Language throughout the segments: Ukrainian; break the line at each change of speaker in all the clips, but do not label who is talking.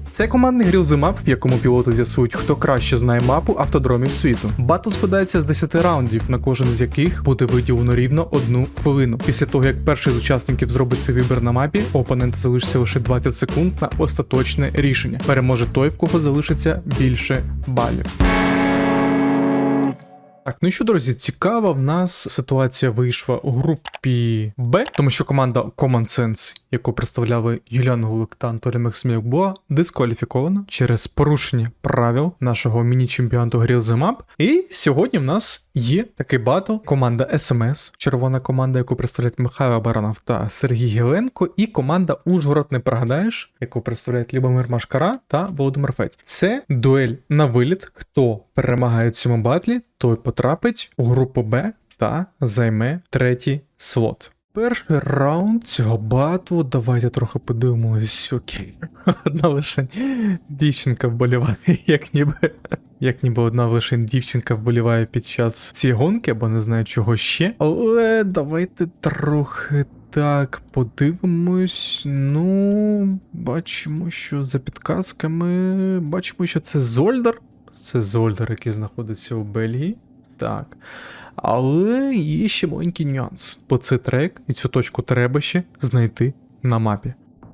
Це командний грілзимап, в якому пілоти з'ясують, хто краще знає мапу автодромів світу. Батл складається з 10 раундів, на кожен з яких буде виділено рівно 1 хвилину. Після того, як перший з учасників зробить свій вибір на мапі, у опонента залишиться лише 20 секунд на остаточне рішення. Переможе той, в кого залишиться більше балів. Так, ну і що, друзі, цікава в нас ситуація вийшла у групі Б, тому що команда Common Sense, яку представляли Юліан Гулик та Анатолій Максимюк, була дискваліфікована через порушення правил нашого міні-чемпіонату Grillzimap. І сьогодні в нас є такий батл. Команда SMS, червона команда, яку представляють Михайло Баранов та Сергій Гіленко, і команда Ужгород не прогадаєш, яку представляють Любомир Машкара та Володимир Федь. Це дуель на виліт. Хто перемагає в цьому батлі, той потрапить у групу Б та займе третій слот. Перший раунд цього батлу, давайте трохи подивимось. Окей. Одна лише дівчинка вболіває, як ніби одна лише дівчинка вболіває під час цієї гонки, або не знаю чого ще. Але давайте трохи так подивимось. Ну, бачимо, що за підказками, бачимо, що це Зольдар. Це Зольдар, який знаходиться у Бельгії. Так. Але є ще маленький нюанс. Бо це трек, і цю точку треба ще знайти на мапі.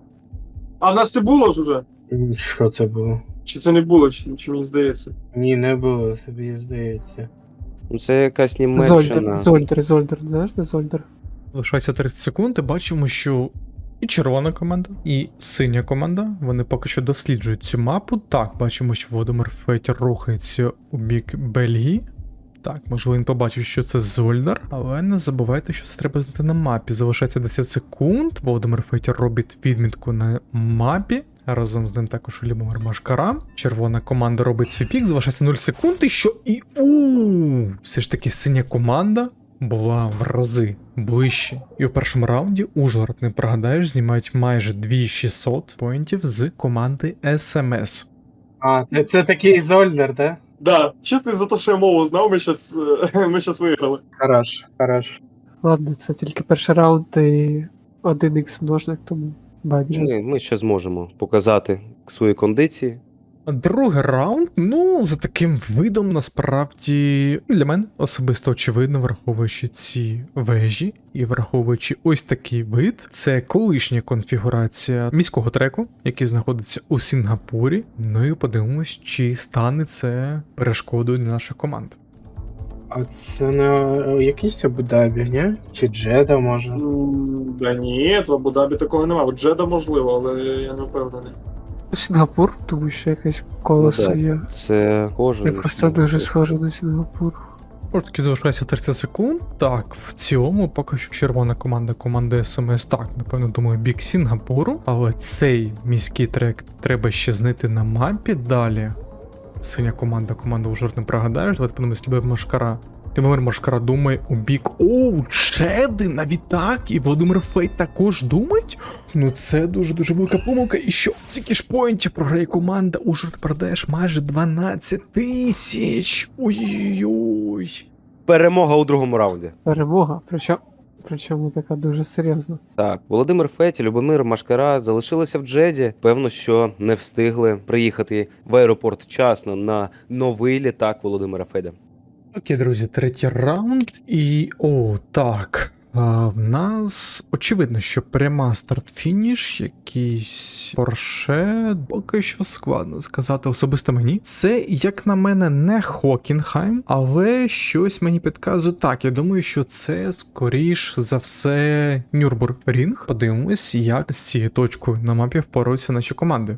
А в нас це було ж уже?
Що це було?
Чи це не було, чи мені здається?
Ні, не було, тобі здається.
Ну, це якась Німеччина.
Зольдер, знаєш, де Зольдер?
Лишається 30 секунд, і бачимо, що і червона команда, і синя команда, вони поки що досліджують цю мапу. Так, бачимо, що Володимир Федь рухається у бік Бельгії. Так, можливо, він побачив, що це Зольдар, але не забувайте, що це треба знайти на мапі. Залишається 10 секунд, Володимир Федь робить відмітку на мапі. Разом з ним також Любомир Машкара. Червона команда робить свій пік, залишається 0 секунд, і що? І все ж таки синя команда була в рази ближче. І у першому раунді Ужгород не прогадаєш, знімають майже 2600 поінтів з команди SMS.
А, це такий Зольдер, да?
Да, чисто за те, що я мову знав, ми щас виграли.
Хорош.
Ладно, це тільки перший раунд і 1х множник, тому бадже.
Ми ще зможемо показати свої кондиції.
Другий раунд, ну, за таким видом, насправді, для мене особисто очевидно, враховуючи ці вежі і враховуючи ось такий вид, це колишня конфігурація міського треку, який знаходиться у Сінгапурі. Ну і подивимось, чи стане це перешкодою для наших команд.
А це не якийсь Абу-Дабі, ні? Чи Джеда, може?
Да ні, в Абу-Дабі такого немає. От Джеда можливо, але я не впевнений.
Сінгапур, тому що якесь колесо
Ну,
є.
Це кожен.
Я просто дуже схожий на Сінгапур.
Ось таки залишається 30 секунд. Так, в цілому поки що червона команда SMS, так, напевно, думаю, бік Сінгапуру. Але цей міський трек треба ще знайти на мапі. Далі синя команда Ужгород не прогадаєш. Давайте подивимось, Любомир Машкара. Любомир Машкара думає у бік. Джеди, навіть так. І Володимир Федь також думають. Ну це дуже-дуже велика помилка. І що? Скільки ж поінтів програє команда Ужгород продаєш майже 12 тисяч. Ой-ой-ой.
Перемога у другому раунді.
Перемога, причому така дуже серйозна.
Так, Володимир Федь і Любомир Машкара залишилися в Джеді. Певно, що не встигли приїхати в аеропорт вчасно на новий літак Володимира Федя.
Окей, друзі, третій раунд. І, так. В нас очевидно, що пряма старт-фініш, якийсь Порше, поки що складно сказати особисто мені. Це, як на мене, не Хокінхайм, але щось мені підказує. Так, я думаю, що це, скоріш за все, Нюрбургрінг. Подивимось, як з цією точкою на мапі впораються наші команди.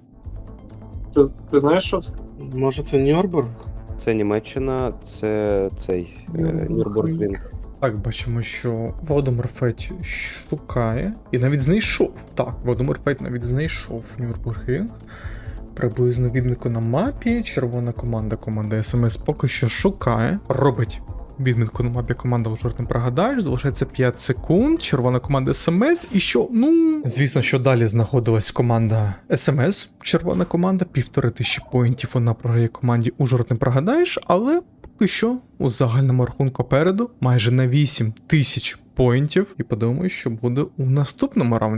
Ти знаєш, що це?
Може це Нюрнбург?
Це Німеччина, це цей Нюрнбургрінг.
Так, бачимо, що Володимир Федь шукає і навіть знайшов. Так, Володимир Федь навіть знайшов Нюрнбургрінг. Приблизно відмітку на мапі. Червона команда SMS поки що шукає. Робить відмітку на мапі команда Ужгород не прогадаєш. Залишається 5 секунд. Червона команда SMS. І що? Ну, звісно, що далі знаходилась команда SMS. Червона команда. 1500 поінтів вона програє команді Ужгород не прогадаєш, але поки що у загальному рахунку переду майже на 8000 поінтів. І подумаю, що буде у наступному раунді.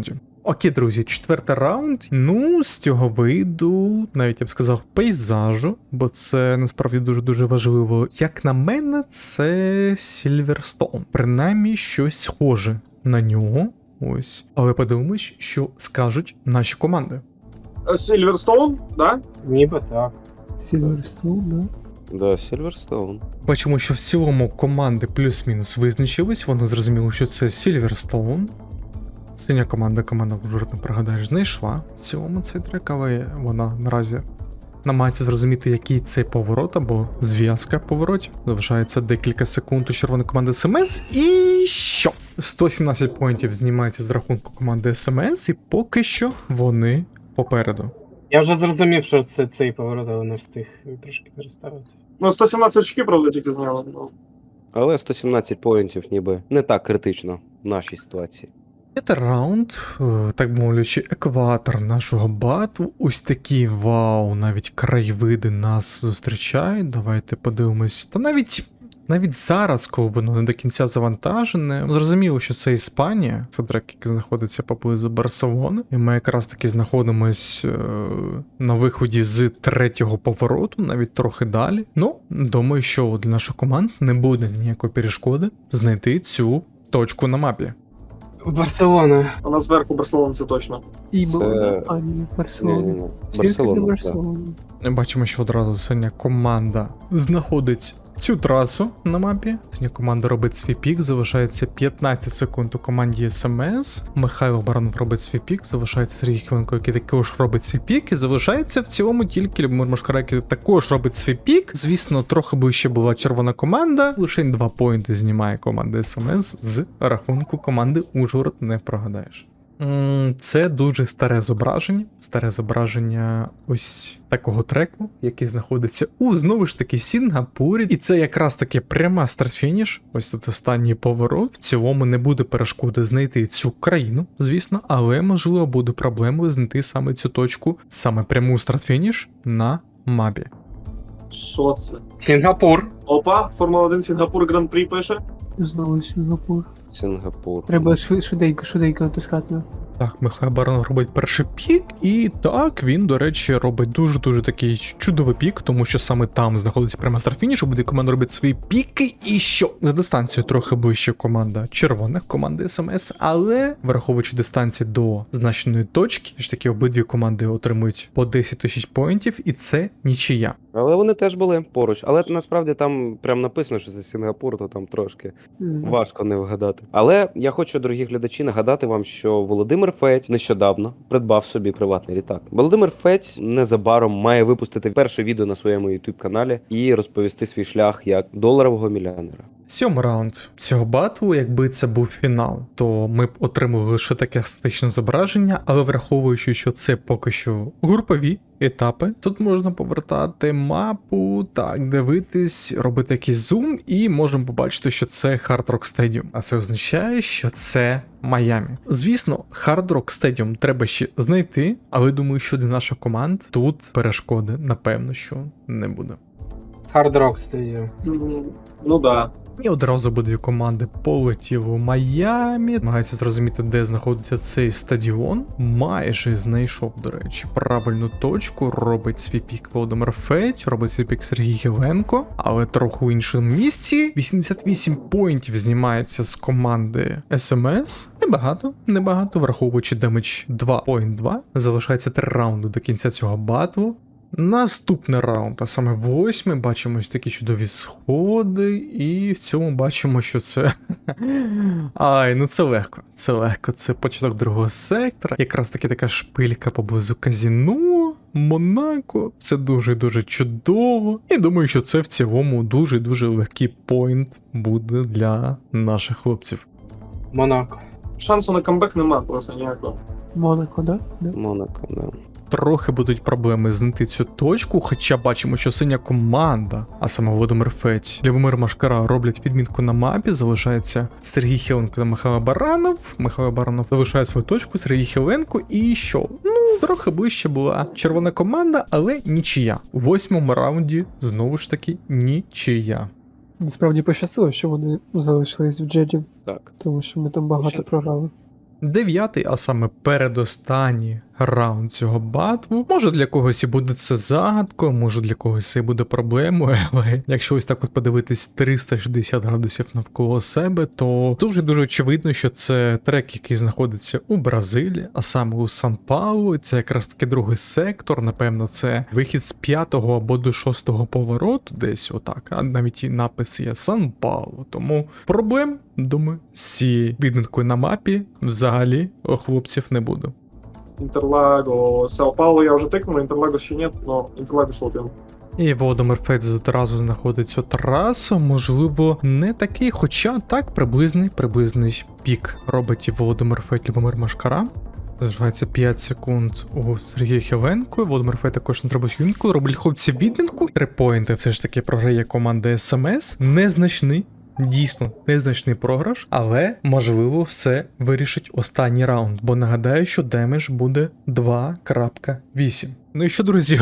Окей, друзі, 4-й раунд. Ну, з цього виду, навіть я б сказав, пейзажу, бо це насправді дуже-дуже важливо. Як на мене, це Сільверстоун. Принаймні, щось схоже на нього. Ось. Але подивимось, що скажуть наші команди.
Сільверстоун, да?
Ніби так.
Сільверстоун, да?
Да, Сільверстоун.
Бачимо, що в цілому команди плюс-мінус визначились, воно зрозуміло, що це Сільверстоун. Синя команда вже не пригадаєш, знайшла в цілому цей трек, але вона наразі намагається зрозуміти, який цей поворот або зв'язка поворотів. Залишається декілька секунд у червоної команди СМС. І що? 117 поінтів знімається з рахунку команди СМС, і поки що вони попереду.
Я вже зрозумів, що це цей поворот, але не встиг трошки переставити.
Ну, 117 очки, правда, тільки зняли. Ну.
Але 117 поінтів ніби не так критично в нашій ситуації.
Це раунд, так би мовлячи, екватор нашого бату. Ось такі вау, навіть краєвиди нас зустрічають. Давайте подивимось. Та навіть зараз, коли воно не до кінця завантажене, зрозуміло, що це Іспанія, це трек, який знаходиться поблизу Барселони. І ми якраз таки знаходимось на виході з 3-го повороту, навіть трохи далі. Ну, думаю, що для наших команд не буде ніякої перешкоди знайти цю точку на мапі.
Барселона.
Вона зверху Барселона, це точно.
І
Це-
Мона, а ні, Барселона.
Ні-ні-ні.
Тільки для
Барселона. Так.
Барселони.
Бачимо, що одразу синя команда знаходить цю трасу на мапі. Синя команда робить свій пік, залишається 15 секунд у команді СМС. Михайло Баранов робить свій пік, залишається Сергій Хвиленко, який також робить свій пік, і залишається в цілому тільки Любомир Машкара, який також робить свій пік. Звісно, трохи ближче була червона команда. Лише 2 поінти знімає команда СМС з рахунку команди Ужгород, не прогадаєш. Це дуже старе зображення ось такого треку, який знаходиться у, знову ж таки, Сінгапурі. І це якраз таки пряма старт-фініш, ось тут останній поворот. В цілому не буде перешкоди знайти цю країну, звісно, але, можливо, буде проблемою знайти саме цю точку, саме пряму старт-фініш на мапі.
Що це?
Сінгапур.
Опа, Формула 1 Сінгапур Гран-прі пише.
Знову Сінгапур.
Сінгапур.
Треба швиденько натискати.
Так, Михайло Баранов робить перший пік, і так, він, до речі, робить дуже-дуже такий чудовий пік, тому що саме там знаходиться прямо старт-фініш, обидві команди роблять свої піки, і що? За дистанцію трохи ближче команда червоних, команди СМС, але, враховуючи дистанцію до значеної точки, ж таки обидві команди отримують по 10 тисяч поінтів, і це нічия.
Але вони теж були поруч. Але насправді там прям написано, що це Сінгапур, то там трошки важко не вгадати. Але я хочу, дорогі глядачі, нагадати вам, що Володимир Федь нещодавно придбав собі приватний літак. Володимир Федь незабаром має випустити перше відео на своєму YouTube каналі і розповісти свій шлях як доларового мільйонера.
7-й раунд цього батлу, якби це був фінал, то ми б отримали лише таке статичне зображення, але враховуючи, що це поки що групові етапи, тут можна повертати мапу, так, дивитись, робити якийсь зум, і можемо побачити, що це Hard Rock Stadium. А це означає, що це Майамі. Звісно, Hard Rock Stadium треба ще знайти, але думаю, що для наших команд тут перешкоди, напевно, що не буде.
Hard Rock Stadium.
Ну да.
І одразу обидві команди полетіли у Майамі. Намагаються зрозуміти, де знаходиться цей стадіон. Майже знайшов, до речі, правильну точку. Робить свій пік Володимир Федь, робить свій пік Сергій Хіленко, але трохи у іншому місці. 88 поінтів знімається з команди СМС. Небагато, враховуючи демедж 2.2. Залишається 3 раунди до кінця цього батлу. Наступний раунд, а саме 8-й, бачимо ось такі чудові сходи, і в цьому бачимо, що це... це легко, це початок другого сектора, якраз таки така шпилька поблизу казино, Монако, це дуже-дуже чудово, і думаю, що це в цілому дуже-дуже легкий поінт буде для наших хлопців.
Монако.
Шансу на камбек нема просто ніякого.
Монако, да?
Монако, да.
Трохи будуть проблеми знайти цю точку, хоча бачимо, що синя команда, а саме Володимир Федь, Любомир Машкара роблять відмітку на мапі, залишається Сергій Хіленко та Михайло Баранов. Михайло Баранов залишає свою точку, Сергій Хіленко, і що? Трохи ближче була червона команда, але нічия. У 8-му раунді, знову ж таки, нічия.
Насправді пощастило, що вони залишились в Джеді,
Так.
тому що ми там багато програли.
9-й, а саме передостанній раунд цього батву. Може для когось і буде це загадкою, може для когось це і буде проблемою, але якщо ось так от подивитись 360 градусів навколо себе, то дуже очевидно, що це трек, який знаходиться у Бразилії, а саме у Сан-Паулу. Це якраз таки другий сектор, напевно, це вихід з 5-го або до 6-го повороту, десь отак, а навіть і напис є Сан-Паулу. Тому проблем, думаю, з цією відмінкою на мапі взагалі у хлопців не буде.
Інтерлаго, Сао-Пауло я вже тикнув, Інтерлаго ще ні, але Інтерлаго один.
І Володимир Федз одразу знаходить цю трасу, можливо, не такий, хоча так, приблизний пік робить і Володимир Федь, Любомир Машкара. Залишається 5 секунд у Сергія Хівенко. Володимир Федь також не зробить юнку, роблять хлопці відмінку. 3 поінти все ж таки програє команда СМС. Незначний. Дійсно, незначний програш, але, можливо, все вирішить останній раунд, бо нагадаю, що демедж буде 2.8. Ну і що, друзі?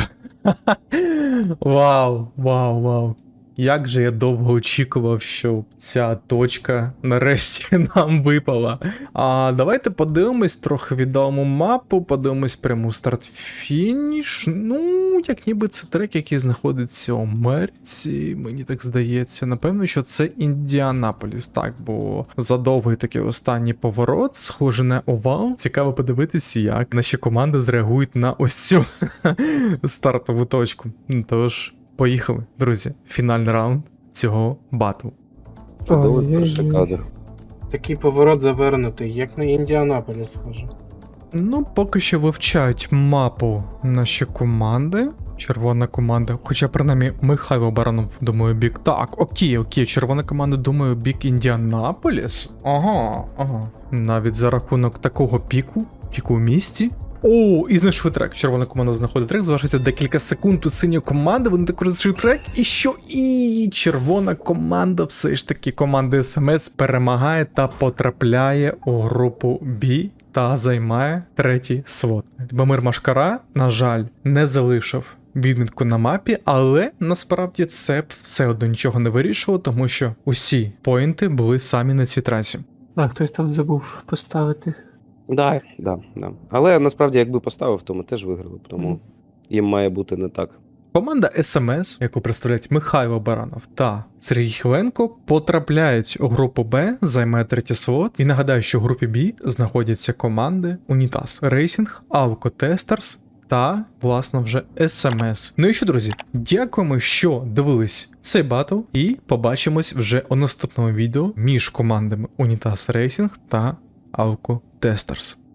Вау. Як же я довго очікував, що ця точка нарешті нам випала. А давайте подивимось трохи відому мапу, подивимось пряму старт-фініш. Ну, як ніби це трек, який знаходиться у Америці, мені так здається. Напевно, що це Індіанаполіс, так, бо задовгий такий останній поворот, схоже на овал. Цікаво подивитися, як наші команди зреагують на ось цю стартову точку. Тож, поїхали, друзі. Фінальний раунд цього батлу.
Чудовий
Ой-ой-ой.
перший кадр.
Такий поворот завернутий, як на Індіанаполіс схоже.
Ну, поки що вивчають мапу наші команди. Червона команда, хоча принаймні Михайло Баранов, думаю, бік. Так, окей, червона команда, думаю, бік Індіанаполіс. Ага. Навіть за рахунок такого піку у місті. О, і знайшли трек. Червона команда знаходить трек, залишається декілька секунд у синьої команди, вони також знайшли трек. І що? І червона команда, все ж таки, команда СМС перемагає та потрапляє у групу B та займає 3-й слот. Любомир Машкара, на жаль, не залишив відмітку на мапі, але насправді це все одно нічого не вирішило, тому що усі поінти були самі на цій трасі.
А, хтось там забув поставити.
Да. Але насправді, якби поставив, то ми теж виграли, тому їм має бути не так.
Команда СМС, яку представляють Михайло Баранов та Сергій Хиленко, потрапляють у групу Б, займає 3-й слот. І нагадаю, що в групі Б знаходяться команди Унітаз Рейсінг, Алко Тестерс та, власне, вже СМС. Ну і що, друзі, дякуємо, що дивились цей батл, і побачимось вже у наступному відео між командами Унітаз Рейсінг та Алко Тестерс.